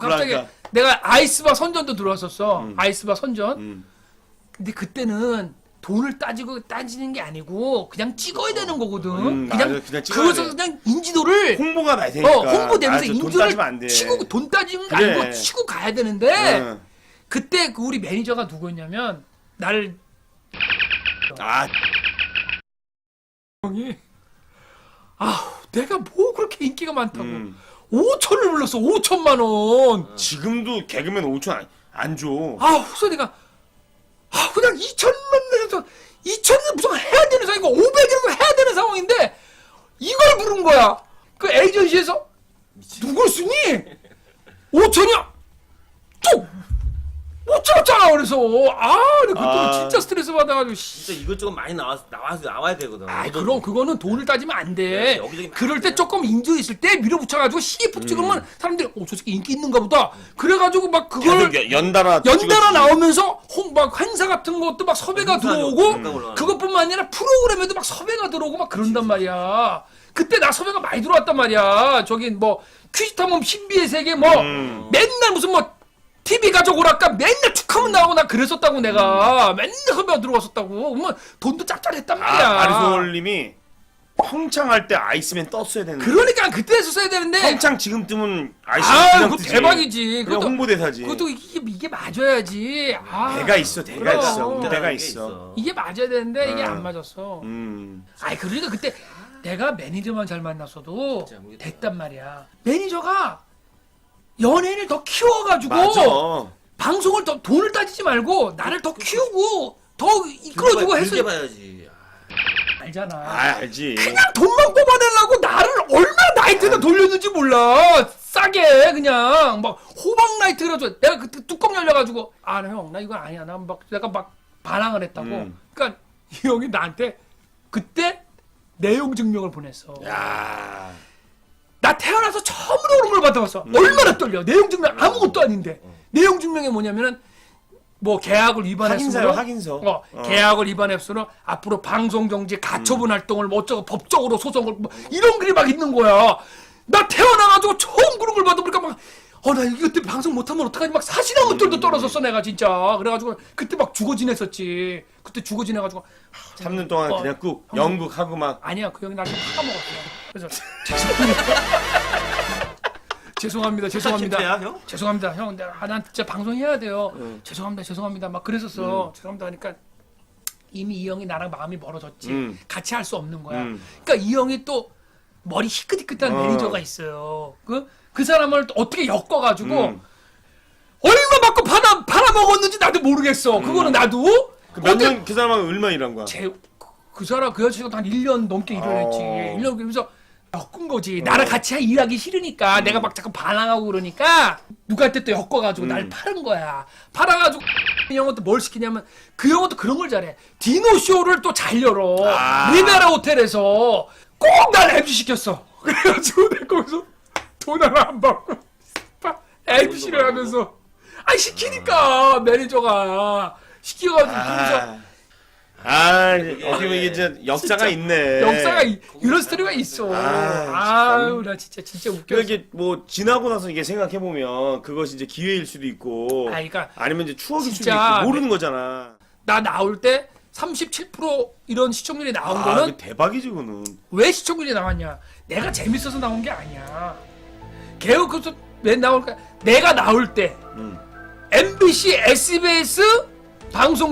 갑자기 그러니까. 내가 아이스바 선전도 들어왔었어. 아이스바 선전. 근데 그때는 돈을 따지는 게 아니고 그냥 찍어야 되는 거거든. 그냥 그것을 그냥 인지도를 홍보가 많이 되니까. 홍보되면서 돈 인지도를 따지면 안 돼. 치고 돈 따지는 거 그래. 아니고 치고 가야 되는데 그때 그 우리 매니저가 누구였냐면 나를 형이 내가 뭐 그렇게 인기가 많다고 5천을 불렀어. 5천만 원. 지금도 개그맨 5천 안 줘. 그래서 내가 그냥 2천만 내서 2천은 무슨 해야 되는 상황이고 500이라도 해야 되는 상황인데 이걸 부른 거야. 그 에이전시에서 누굴 쓰니? 5천이야. 또 못 잡았잖아. 그래서 그때 진짜 스트레스 받아가지고 진짜 이것저것 많이 나와야 되거든. 그럼 그거는 돈을 따지면 안 돼. 네, 여기저기 그럴 때 조금 인조 있을 때 밀어붙여가지고 시기폭 찍으면 사람들이 저 새끼 인기 있는가 보다. 그래가지고 막 그걸 연달아 나오면서 막 행사 같은 것도 막 섭외가 들어오고 그것뿐만 아니라 프로그램에도 막 섭외가 들어오고 막 그런단 말이야. 그때 나 섭외가 많이 들어왔단 말이야. 저기 뭐 퀴즈탐험 신비의 세계 뭐 맨날 무슨 뭐 TV 가족 오락가 맨날 축하문 나오고 나 그랬었다고 내가 맨날 섭외가 들어왔었다고. 그러면 돈도 짭짤했단 말이야. 아리솔님이 평창 할 때 아이스맨 떴어야 되는데. 그러니까 그때 했었어야 되는데. 평창 지금 뜨면 아이스맨 그냥 그거 뜨지. 대박이지. 그냥 홍보대사지. 그것도 이게 맞아야지. 대가 있어, 대가 그럼. 있어. 대가 있어. 이게 맞아야 되는데 이게 안 맞았어. 그러니까 그때 내가 매니저만 잘 만났어도 됐단 말이야. 매니저가 연예인을 더 키워가지고 맞아. 방송을 더 돈을 따지지 말고 나를 더 키우고 더 이끌어주고 했어. 길게 봐야지. 알잖아. 알지. 그냥 돈만 뽑아내려고 나를 얼마나 나이트에다 돌렸는지 몰라. 싸게 그냥 막 호박 나이트 그래가지고 내가 그때 뚜껑 열려가지고 형 나 이건 아니야. 내가 막 반항을 했다고. 그러니까 이 형이 나한테 그때 내용 증명을 보냈어. 야. 나 태어나서 처음으로 그런 걸 받아봤어. 얼마나 떨려. 내용 증명 아무것도 아닌데. 내용 증명이 뭐냐면은 뭐 계약을 위반했으므로 확인서. 계약을 위반했으므로 앞으로 방송 정지 가처분 활동을 뭐 어쩌고 법적으로 소송을 뭐 이런 글이 막 있는 거야. 나 태어나가지고 처음 그런 걸 받아보니까 막 나 이것 때문에 방송 못하면 어떡하지 막 사실한 것들도 떨어졌어 내가 진짜. 그래가지고 그때 막 죽어 지냈었지. 그때 죽어 지내가지고 3년 동안 그냥 꾹 연극하고 막. 아니야 그 형이 나를 파먹었어. 그래서 죄송합니다. 죄송합니다. 형, 난 진짜 방송해야 돼요. 죄송합니다. 막 그랬었어. 죄송합니다 하니까 이미 이 형이 나랑 마음이 멀어졌지. 같이 할 수 없는 거야. 그러니까 이 형이 또 머리 희끗희끗한 매니저가 있어요. 그 사람을 어떻게 엮어가지고 얼마 받고 팔아먹었는지 나도 모르겠어. 그거는 나도. 몇 년 그 사람하고 얼마 일한 거야? 그 사람 그 여자친구도 한 1년 넘게 일을 했지. 1년 그러면서 엮은 거지. 나랑 같이 일하기 싫으니까 내가 막 자꾸 반항하고 그러니까 누구한테 또 엮어가지고 날 파는 거야. 팔아가지고 이 형은 또 뭘 시키냐면 그 형은 또 그런 걸 잘해. 디노쇼를 또 잘 열어. 리베라 호텔에서 꼭 날 MC 시켰어. 그래가지고 내가 거기서 돈 하나 안 받고 MC를 하면서 시키니까 매니저가 시켜가지고 그러면서 어떻게 보면 이게 진짜 역사가 있네. 역사가 이런 스토리가 있어. 나 진짜 웃겨. 이게 뭐 지나고 나서 이게 생각해 보면 그것이 이제 기회일 수도 있고, 그러니까 아니면 이제 추억일 수도 있고 모르는 거잖아. 나 나올 때 37% 이런 시청률이 나온 거는 대박이지 그거는. 왜 시청률이 나왔냐? 내가 재밌어서 나온 게 아니야. 개그 그래서 왜 나올까? 내가 나올 때 MBC, SBS 방송